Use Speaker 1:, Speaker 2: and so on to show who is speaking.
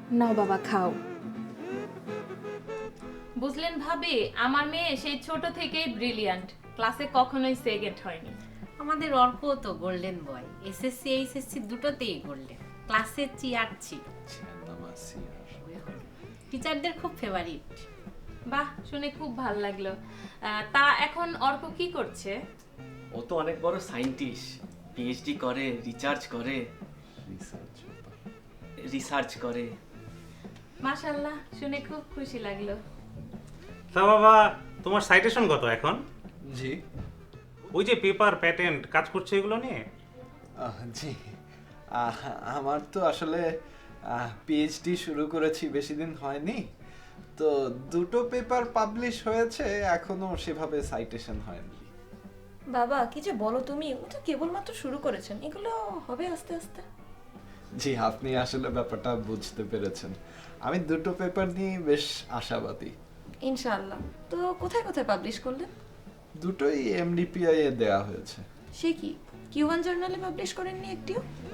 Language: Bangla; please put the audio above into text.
Speaker 1: নাও বাবা খাও।
Speaker 2: বুঝলেন ভাবি, আমার মেয়ে সেই ছোট থেকেই ব্রিলিয়ান্ট, ক্লাসে কখনোই সেকেন্ড হয়নি।
Speaker 3: আমাদের অর্ক তো গোল্ডেন বয়, এসএসসি এইচএসসি দুটোতেই গোল্ডেন, ক্লাসের চেয়ার ছিল, টিচারদের খুব ফেভারিট।
Speaker 2: বাহ, শুনে খুব ভালো লাগলো। তা এখন অর্ক কি করছে?
Speaker 4: ও তো অনেক বড় সায়েন্টিস্ট, পিএইচডি করে, রিসার্চ করে।
Speaker 2: মাশাআল্লাহ, শুনে খুব খুশি লাগলো।
Speaker 5: তা বাবা, তোমার সাইটেশন কত এখন?
Speaker 6: জি
Speaker 5: ওই যে পেপার প্যাটেন্ট কাজ করছে এগুলো নিয়ে।
Speaker 6: জি আমার তো আসলে পিএইচডি শুরু করেছি বেশি দিন হয়নি, তো দুটো পেপার পাবলিশ হয়েছে, এখনো সেভাবে সাইটেশন হয়নি।
Speaker 1: বাবা কি যে বলো তুমি, ও তো কেবলমাত্র শুরু করেছেন, এগুলো হবে আস্তে আস্তে।
Speaker 6: জি, আপনি আসলে ব্যাপারটা বুঝতে পেরেছেন। আমি দুটো পেপার নিয়ে বেশ আশাবাদী।
Speaker 1: ইনশাআল্লাহ। তো কোথায় কোথায় পাবলিশ করলেন?
Speaker 6: দুটোই এমডিপিআই এ দেয়া হয়েছে।
Speaker 1: সে কি কিউবান জার্নালে পাবলিশ করেননি একটিও?